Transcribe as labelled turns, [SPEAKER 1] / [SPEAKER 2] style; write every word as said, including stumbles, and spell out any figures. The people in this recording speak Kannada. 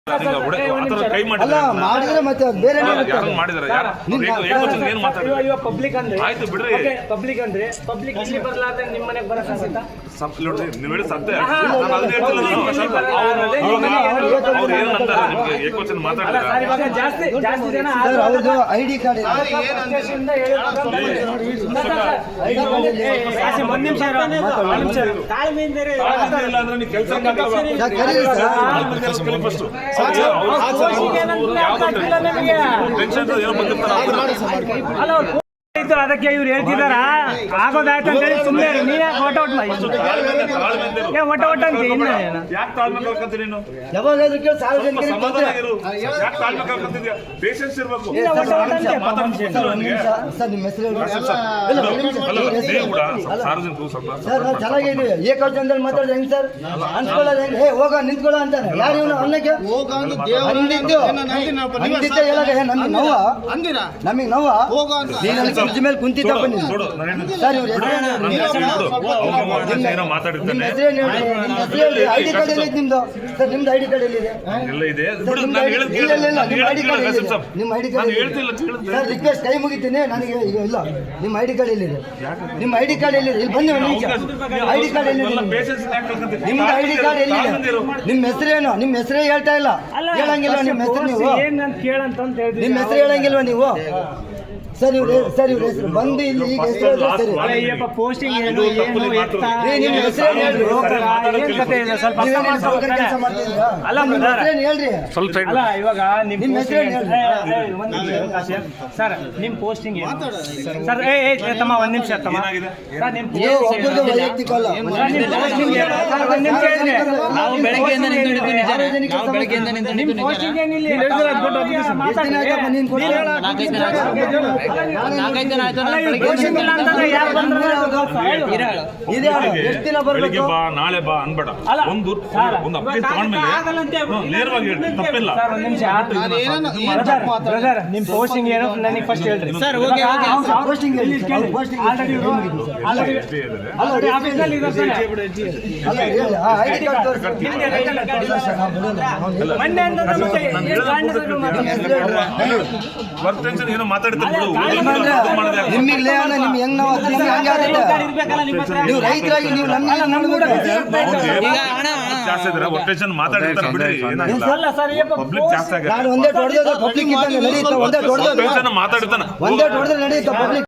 [SPEAKER 1] ಕೈ
[SPEAKER 2] ಅಲ್ಲ ಮಾಡಿದ್ರೆ ಮತ್ತೆ ಬೇರೆ
[SPEAKER 1] ಪಬ್ಲಿಕ್ ಅಂದ್ರೆ ಆಯ್ತು ಬಿಡ್ರಿ ಪಬ್ಲಿಕ್ ಅಂದ್ರೆ ಪಬ್ಲಿಕ್ ಇಲ್ಲಿ ಬರ್ಲಾರ್ದೆ ನಿಮ್ಮ ಮನೆಗೆ ಬರಕ ಅನ್ಸುತ್ತಾ ನೀವು ಹೇಳಿ ಸತ್ಯ ಜಾಸ್ತಿ ಜಾಸ್ತಿ ಜನ
[SPEAKER 2] ಅವ್ರದ್ದು ಐಡಿ ಕಾರ್ಡ್
[SPEAKER 1] ಒಂದ್ ನಿಮಿಷ ತಾಳ್ಮೆಯಿಂದ ಅದಕ್ಕೆ ಇವ್ರು ಹೇಳ್ತಿದಾರ ಆಗೋದಾಯ್ತು ಅಂತ ಹೇಳಿ ಸುಮ್ಮನೆ ನೀ ಯಾಕೆ ಒಟ್ಟ ಒಟ್ಟು ಒಟ್ಟ ಒಟ್ಟ ಅಂತ ಇನ್ನ
[SPEAKER 2] ಯಾವಾಗಾದ್ರೂ ಕೇಳಿ ಸಾರ್ವಜನಿಕರಿಗೆ ಸರ್ ನಿಮ್ಮ ಹೆಸರು ಸರ್ ನಾವು ಚೆನ್ನಾಗಿದ್ದೀವಿ ಏಕವಚನದಲ್ಲಿ ಮಾತಾಡಿದ್ರೆ ಹೆಂಗ್ ಸರ್ ಅನ್ಸ್ಕೊಳ್ಳೋದು ಹೆಂಗ್ ಹೇ ಹೋಗ ನಿಂತ್ಕೊಳ್ಳೋ ಅಂತಾನೆ ಯಾರು ಇವನು ಅನ್ನಕ್ಕೆ ಅಂದಿದ್ದು ಅಂದಿದ್ದೆ ಹೇಳಾಗ ನಮಗೆ ನೋವ ನಮಗೆ ನೋವ ಫ್ರಿಡ್ಜ್ ಮೇಲೆ ಕುಂತಿದ್ದಪ್ಪ ನೀವು ಸರ್ ಇವ್ರ ಐಡಿ ಕಾರ್ಡ್ ಎಲ್ಲಿದೆ ನಿಮ್ದು ಸರ್ ನಿಮ್ದು ಐಡಿ ಕಾರ್ಡ್ ಎಲ್ಲಿದೆ ನಿಮ್ಮ ಐಡಿ ಕಾರ್ಡ್ ಸರ್ ರಿಕ್ವೆಸ್ಟ್ ಕೈ ಮುಗಿತೀನಿ ನನಗೆ ಈಗ ಇಲ್ಲ ನಿಮ್ಮ ಐಡಿ ಕಾರ್ಡ್ ಎಲ್ಲಿದೆ ನಿಮ್ಮ ಐಡಿ ಕಾರ್ಡ್ ಎಲ್ಲಿದೆ ಇಲ್ಲಿ ಬಂದು ಐಡಿ ಕಾರ್ಡ್ ಎಲ್ಲಿದೆ ನಿಮ್ದು ಐಡಿ ಕಾರ್ಡ್ ಎಲ್ಲಿದೆ ನಿಮ್ಮ ಹೆಸರೇನು ನಿಮ್ಮ ಹೆಸರೇ ಹೇಳ್ತಾ ಇಲ್ಲ ಹೇಳಂಗಿಲ್ವ ನಿಮ್ಮ ಹೆಸರು ನೀವು ನಿಮ್ಮ ಹೆಸರು ಹೇಳಂಗಿಲ್ವ ನೀವು ಸರಿ ಸರಿ ಹೆಸರು ಬಂದು ಇಲ್ಲಿ ಈಗ ಹೆಸರು ಸರಿ
[SPEAKER 1] ಪೋಸ್ಟಿಂಗ್
[SPEAKER 2] ನಿಮ್ಮ ಹೆಸರು ಹೇಳ್ರಿ ಹೇಳ್ರಿ
[SPEAKER 1] ಅಲ್ಲ ಇವಾಗ ನಿಮ್ಮ ಹೆಸರು ಸರ್ ನಿಮ್ ಪೋಸ್ಟಿಂಗ್ ಸರ್ ಏ ತಮ್ಮ ಒಂದ್ ನಿಮಿಷ ತಮ್ಮ
[SPEAKER 2] ಒಬ್ಬರದು ವೈಯಕ್ತಿಕ ಅಲ್ಲ
[SPEAKER 3] ನಾವು ಬೆಳಗ್ಗೆಯಿಂದ ನಿಂತಿದ್ದೀವಿ ನಾವು ಬೆಳಗ್ಗೆಯಿಂದ ನಿಂತಿದ್ದೀವಿ
[SPEAKER 1] ಪೋಸ್ಟಿಂಗ್ ಏನಿಲ್ಲ
[SPEAKER 3] ನಾಲ್ಕೈದು ಜನ ಆಯ್ತು
[SPEAKER 2] ಎಷ್ಟು ದಿನ ಬರ್ಬೇಕು
[SPEAKER 4] ನಾಳೆ ಬಾ ಅನ್ಬೇಡ ಒಂದು ಒಂದು ಅಪ್ಡೇಟ್ ತಗೊಂಡ್ಮೇಲೆ ನೇರವಾಗಿ ಹೇಳಿ ತಪ್ಪಿಲ್ಲ
[SPEAKER 1] ನಿಮ್ ಪೋಸ್ಟಿಂಗ್ ಏನು ನನಗೆ ಫಸ್ಟ್ ಹೇಳ್ರಿ
[SPEAKER 3] sir okay
[SPEAKER 2] posting ID card
[SPEAKER 4] ಏನೋ ಮಾತಾಡ್ತೀನಿ
[SPEAKER 2] ನಿಮ್ಮಿಗ್ಲೇ ನಿಮ್ ಹೆಂಗ್ ನಾವು ನೀವು ರೈತರಾಗಿ ನೀವು
[SPEAKER 4] ಮಾತಾಡಿರ್ತಾರೆ ಬಿಡ್ರಿ ಪಬ್ಲಿಕ್ ಜಾಸ್ತಿ
[SPEAKER 2] ನಾನು ಒಂದೇ ಹೊಡೆದ ಪಬ್ಲಿಕ್ ಇದ್ದಂಗೆ ನಡೆಯುತ್ತೆ ಒಂದೇ ಹೊಡೆದ
[SPEAKER 4] ಮಾತಾಡ್ತಾನೆ
[SPEAKER 2] ಒಂದೇ ಹೊಡೆದ್ರೆ ನಡೆಯುತ್ತೆ ಪಬ್ಲಿಕ್